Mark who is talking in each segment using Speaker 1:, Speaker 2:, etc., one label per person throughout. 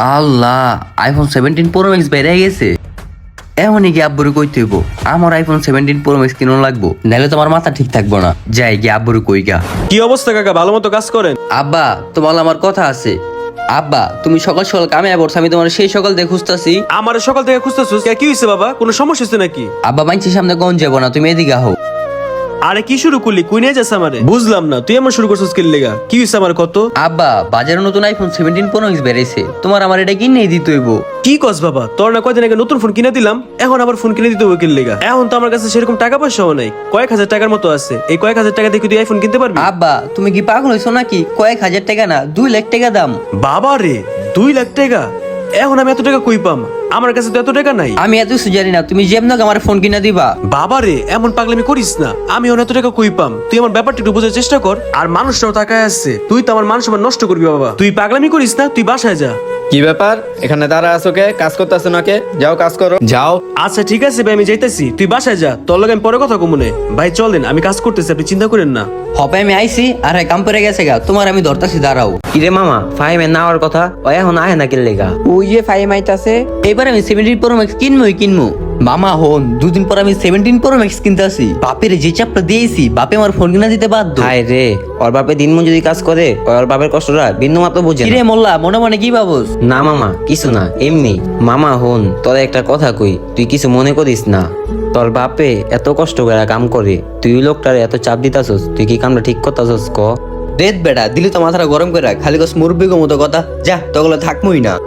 Speaker 1: আল্লাহ, iPhone 17 pro max বেড়ে গেছে। এমনই কি আব্বুরে কইতে হইব আমার আইফোন 17 প্রো ম্যাক্স কিনো লাগবো, নাহলে তোমার মাথা ঠিক থাকবো না। যাই গিয়ে আব্বুরে কই গা।
Speaker 2: কি অবস্থা কাকা, ভালো মতো কাজ করেন?
Speaker 1: আব্বা, তোমার আমার কথা আছে। আব্বা, তুমি সকাল সকাল কামে আবরছ, আমি তোমার সেই সকাল দিয়ে খুঁজতাছি।
Speaker 2: আমার সকাল থেকে খুঁজতেছিস, কি হয়েছে বাবা? কোনো সমস্যা হচ্ছে নাকি?
Speaker 1: আব্বা, মাইনছির সামনে গঞ্জ যাবো না, তুমি এদিকে আহো।
Speaker 2: আরে কি শুরু করলি, কুই নিয়ে যাস আমারে? বুঝলাম না, তুই এমন শুরু করছিস কি লেগা? কি হয়েছে আমার কত?
Speaker 1: আব্বা, বাজারে নতুন আইফোন 17 প্রো ম্যাক্স বেরিয়েছে, তোমার আমার এটা কিনে দিতে হইব।
Speaker 2: কি কস বাবা, তোর না কয়দিন আগে নতুন ফোন কিনে দিলাম, এখন আবার ফোন কিনে দিতে হবে কি লেগা? এখন তো আমার কাছে সেরকম টাকা পয়সাও নাই, কয়েক হাজার টাকার মতো আছে। এই কয়েক হাজার টাকা দিয়ে তুই আইফোন কিনতে পারবি?
Speaker 1: আব্বা, তুমি কি পাগল হইছো নাকি? কয়েক হাজার টাকা না, 2 লাখ টাকা দাম।
Speaker 2: বাবা রে, 2 লাখ টাকা? এখন আমি এত টাকা কই পাম? আমার কাছে তো এত টাকা নাই।
Speaker 1: আমি এত কিছু জানি না, তুমি যেমন আমার ফোন কিনা দিবা।
Speaker 2: বাবা রে, এমন পাগলামি করিস না, আমি এত টাকা কই পাম? তুই আমার ব্যাপারটা একটু বোঝার চেষ্টা কর। আর মানুষটাও তাকায় আসছে, তুই তো আমার মান সম্মান নষ্ট করবি বাবা। তুই পাগলামি করিস না, তুই বাসায় যা।
Speaker 3: কি ব্যাপার, এখানে দাঁড়া আছো কে? কাজ করতে আসো না কে? যাও কাজ করো, যাও।
Speaker 2: আচ্ছা ঠিক আছে ভাই, আমি যাইতেছি, তুই বাসায় যা, তোর লগে আমি পরে কথা কমুনে। ভাই চলেন, আমি কাজ করতেছি, আপনি চিন্তা করেন না।
Speaker 1: হবে আমি আইছি আর কাম পরে গেছে গা, তোমার আমি ধরতাছি, দাঁড়াও।
Speaker 4: কিরে মামা, ফাহিমের না হওয়ার কথা, ও এখন আহে না কিল লেগা?
Speaker 5: ওই যে ফাইম আইতাছে।
Speaker 1: এবার আমি 17 প্রো ম্যাক্স কিনবো। মামা হন, 2 দিন পর আমি 17 প্রো ম্যাক্স কিনতে আসি। বাপের যে চাপটা দিয়েছি, বাপে আমার ফোন কিনা দিতে বাধ্য।
Speaker 4: হায় রে, ওর বাপে দিনমন যদি কাজ করে, ওর বাপের কষ্টটা বিন্দু মাত্র বুঝে না।
Speaker 1: কিরে মোল্লা, মনে মনে কি ভাবস?
Speaker 4: না মামা, কিছু না, এমনি। মামা হন, তোর একটা কথা কই, তুই কিছু মনে করিস না। তোর বাপে এত কষ্ট করে কাম করে, তুই ওই লোকটারে এত চাপ দিতাছস, তুই কি কামটা ঠিক করতাছস ক?
Speaker 1: দেখ বেটা, দিলি তো মাথাটা গরম করে রাখ, খালি কস মুরব্বিগো মতো কথা। যা, তগলে থাকমই না।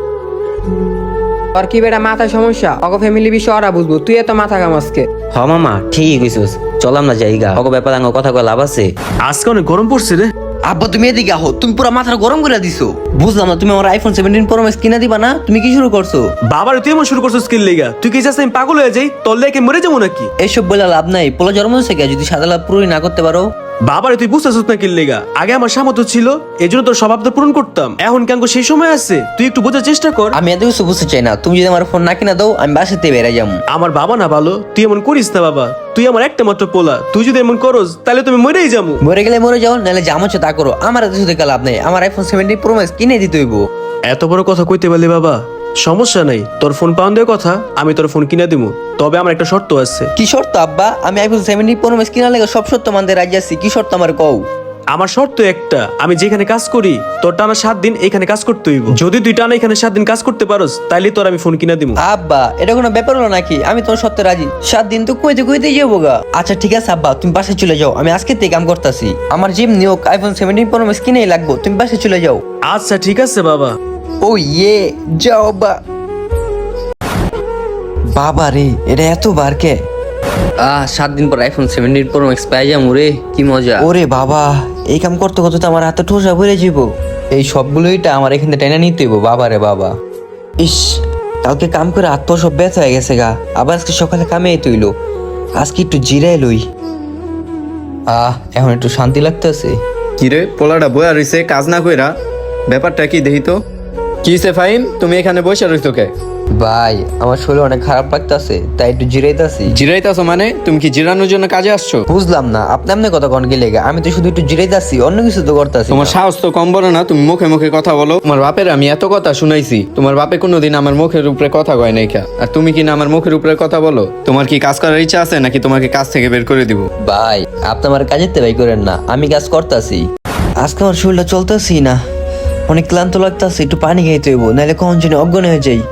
Speaker 5: তোর কি বেটা মাথায় সমস্যা? অগো ফ্যামিলি বিষয় ওরা বুঝবো, তুই এত মাথা কামাসকে।
Speaker 4: হ মামা, ঠিকই কইছস, চলাম না জায়গা, অগ ব্যাপার আঙ্গ কথা কয় লাভ আছে?
Speaker 2: আজকে অনেক গরম পড়ছে রে।
Speaker 1: আব্বা, তুমি এদিকে আহো, তুমি পুরো মাথাটা গরম করে দিছো। বুঝলাম না, তুমি আমার আইফোন 17 প্রো ম্যাক্স কিনা দিবা না? তুমি কি শুরু করছো?
Speaker 2: বাবার তুই এমন শুরু করছিস কি লেগা? তুই কি চাস আমি পাগল হয়ে যাই? তোর লেগে মরে যাবো নাকি?
Speaker 1: এসব বলে লাভ নাই, পোলা জন্ম হয়েছে কে, যদি সাদা লাভ পুরোই না করতে পারো।
Speaker 2: বাবারে তুই বুঝতেছিস না কি লেগা? আগে আমার সামর্থ্য ছিল, এই জন্য তোর স্বভাবটা পূরণ করতাম। এখন কেন সেই সময় আছে, তুই একটু বোঝার চেষ্টা কর।
Speaker 1: আমি এত কিছু বুঝতে চাই না, তুমি যদি আমার ফোন না কিনা দাও, আমি বাসাতে বেড়ে যাবো।
Speaker 2: আমার বাবা না ভালো, তুই এমন করিস না বাবা। তুই আমার একটা মাত্র পোলা, তুই যদি এমন করস তাহলে তুমি মরেই যাবো।
Speaker 1: মরে গেলে মরে যাও, নাহলে যা মনে হচ্ছে তা করো, আমার এত কিছু দেখে লাভ নেই। আমার আইফোন 17 প্রো ম্যাক্স কিনে দিতে হইব।
Speaker 2: এত বড় কথা কইতে পারলি বাবা? সমস্যা নাই, তোর ফোন পাওয়ান দেওয়ার কথা, আমি তোর ফোন কিনে দিব। তবে আমার একটা শর্ত আছে।
Speaker 1: কি শর্ত আব্বা? আমি আইফোন 17 প্রো ম্যাক্স কিনা লাগে সব শর্ত মানতে রাজি আছি। কি শর্ত আমার কও?
Speaker 2: আমার শর্ত একটা, আমি যেখানে কাজ করি তোর টানা 7 দিন এখানে কাজ করতে হইব। যদি তুই টানা এখানে 7 দিন কাজ করতে পারোস, তাইলে তোর আমি ফোন কিনে দিব।
Speaker 1: আব্বা, এটা কোনো ব্যাপার হলো নাকি? আমি তোমার সত্যি রাজি। 7 দিন তো কইতে যাবো গা। আচ্ছা ঠিক আছে আব্বা, তুমি বাসায় চলে যাও, আমি আজকে থেকে কাম করতেছি। আমার জিম নিয়োগ আইফোন 17 প্রো ম্যাক্স কিনেই লাগবো, তুমি বাসায় চলে যাও।
Speaker 2: আচ্ছা ঠিক আছে বাবা।
Speaker 1: ও ইয়ে, যাও বাবা রে, এটা এত বার কে? 7 দিন পর আইফোন 17 প্রো ম্যাক্স পাই যাবো রে, কি মজা। ওরে বাবা, এই কাম করতে করতে তো আমার হাতে ঠোসা ভরে যাব। এই সবগুলোইটা আমার এখানে টেনে নিতে হইব। বাবা রে বাবা, ইস, কালকে কাম করে হাত পা সব ব্যথা হয়ে গেছে গা। আবার আজকে সকালে কামে তৈল, আজকে একটু জিরাই লই। এখন একটু শান্তি লাগতেছে।
Speaker 3: কিরে, পোলাটা বয়া রইছে কাজ না কইরা? ব্যাপারটা কি দেখি তো। কিসে ফাহিম, তুমি এখানে বসে রইছো কে?
Speaker 1: ভাই, আমার শরীর অনেক খারাপ লাগতেছে, তাই একটু জিরাইতাছি।
Speaker 3: জিরাইতাছো মানে? তুমি কি জিরানোর জন্য কাজে আসছো?
Speaker 1: বুঝলাম না, আপনি এমনি কথা কোন গেলে? আমি তো শুধু একটু জিরাইতাছি, অন্য কিছু তো করতেছি।
Speaker 3: তোমার সাহস তো কম বড় না, তুমি মুখে মুখে কথা বলো। তোমার বাপের আমি এত কথা শুনাইছি, তোমার বাপে কোনোদিন আমার মুখের উপরে কথা কয় নাই কা? আর তুমি কি না আমার মুখের উপরে কথা বলো? তোমার কি কাজ করার ইচ্ছা আছে নাকি তোমাকে কাজ থেকে বের করে দিব?
Speaker 1: ভাই, আপনি আমার কাজের তেবাই করেন না, আমি কাজ করতেছি। আজকে আমার শরীরটা চলতেছি না, অনেক ক্লান্ত লাগতেছে, একটু পানি খাইতে হইব, নাহলে কখন যেন অজ্ঞান হয়ে যাই।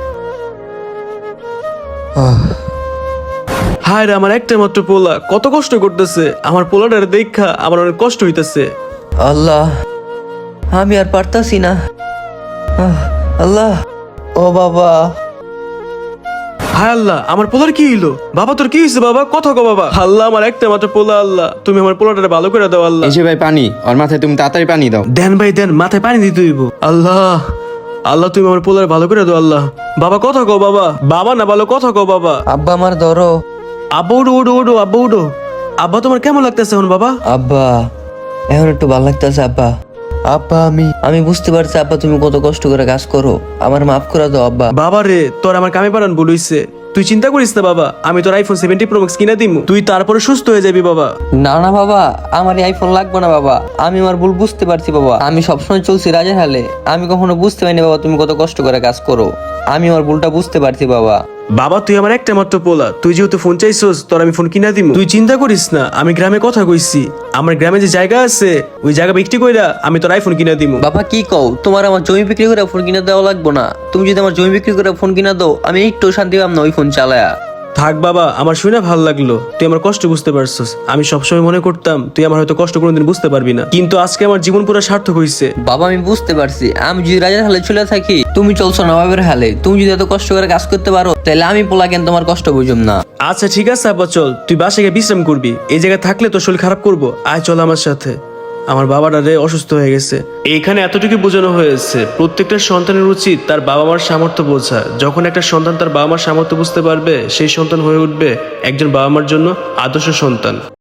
Speaker 2: হায় রে, আমার একটা মাত্র পোলা কত কষ্ট করতেছে। আমার পোলাটার দেখা আমার অনেক কষ্ট হইতেছে।
Speaker 1: আল্লাহ, আমি আর পারতাছি না। আল্লাহ, ও বাবা।
Speaker 2: হায় আল্লাহ, আমার পোলার কি হইলো? বাবা তোর কি হয়েছে বাবা? কথা কো বাবা। আল্লাহ, আমার একটা মাত্র পোলা, আল্লাহ তুমি আমার পোলাটারে ভালো করে দাও আল্লাহ।
Speaker 3: এই যে ভাই পানি, ওর মাথায় তুমি তাড়াতাড়ি পানি দাও।
Speaker 2: দেন ভাই দেন, মাথায় পানি দিতে হইব। আল্লাহ, আল্লাহ তুমি আমার পোলার ভালো করে দাও আল্লাহ। বাবা কথা কো বাবা। বাবা না ভালো কথা কো বাবা।
Speaker 1: আব্বা আমার ধরো।
Speaker 2: আব্বা উঠো উঠো উঠো, আব্বা উঠো। আব্বা তোমার কেমন লাগতেছে এখন বাবা?
Speaker 1: আব্বা, এখন একটু ভালো লাগতেছে আব্বা। আব্বা, আমি বুঝতে পারছি আব্বা, তুমি কত কষ্ট করে কাজ করো, আমার মাফ করে দাও আব্বা।
Speaker 2: বাবা রে, তোর আমার কামে পারান ভুল হইছে। তুই চিন্তা করিস না বাবা, আমি তোর আইফোন 70 প্রো ম্যাক্স কিনা দিমু, তুই তারপরে সুস্থ হয়ে যাবি বাবা।
Speaker 1: না না বাবা, আমার এই আইফোন লাগবে না বাবা। আমি আমার ভুল বুঝতে পারছি বাবা। আমি সবসময় চলছি রাজা হালে। আমি কখনো বুঝতে পারিনি বাবা তুমি কত কষ্ট করে কাজ করো। আমি আমার ভুলটা বুঝতে পারছি বাবা।
Speaker 2: বাবা তুই আমার একটা মাত্র পোলা, তুই যেহেতু ফোন চাইছস তোর আমি ফোন কিনা দিমু। তুই চিন্তা করিস না, আমি গ্রামে কথা কইছি, আমার গ্রামে যে জায়গা আছে ওই জায়গা বিক্রি কইরা আমি তোর আইফোন কিনা দিমু।
Speaker 1: বাবা কি কও, তোমার আমার জমি বিক্রি করে ফোন কিনে দেওয়া লাগবে না। তুমি যদি আমার জমি বিক্রি করে ফোন কিনা দাও, আমি একটু শান্তি পাম না ওই ফোন চালায়া।
Speaker 2: থাক বাবা, আমার শুনে ভালো লাগলো, তুই আমার কষ্ট বুঝতে পারছস। আমি সবসময় মনে করতাম তুই আমার হয়তো কষ্ট কোনোদিন বুঝতে পারবি না, কিন্তু আজকে আমার জীবন পুরো সার্থক হয়েছে।
Speaker 1: বাবা আমি বুঝতে পারছি, আমি যদি রাজার হালে চলে থাকি, তুমি চলছো নবাবের হালে। তুমি যদি এত কষ্ট করে কাজ করতে পারো, তাহলে আমি পোলা কেন তোমার কষ্ট বুঝুম না।
Speaker 2: আচ্ছা ঠিক আছে আব্বা, চল তুই বাসায় গিয়ে বিশ্রাম করবি, এই জায়গায় থাকলে তোর শরীর খারাপ করবো। আয় চল আমার সাথে, আমার বাবাটা রে অসুস্থ হয়ে গেছে। এইখানে এতটুকু বোঝানো হয়েছে প্রত্যেকটা সন্তানের উচিত তার বাবা মার সামর্থ্য বোঝা। যখন একটা সন্তান তার বাবা মার সামর্থ্য বুঝতে পারবে, সেই সন্তান হয়ে উঠবে একজন বাবা মার জন্য আদর্শ সন্তান।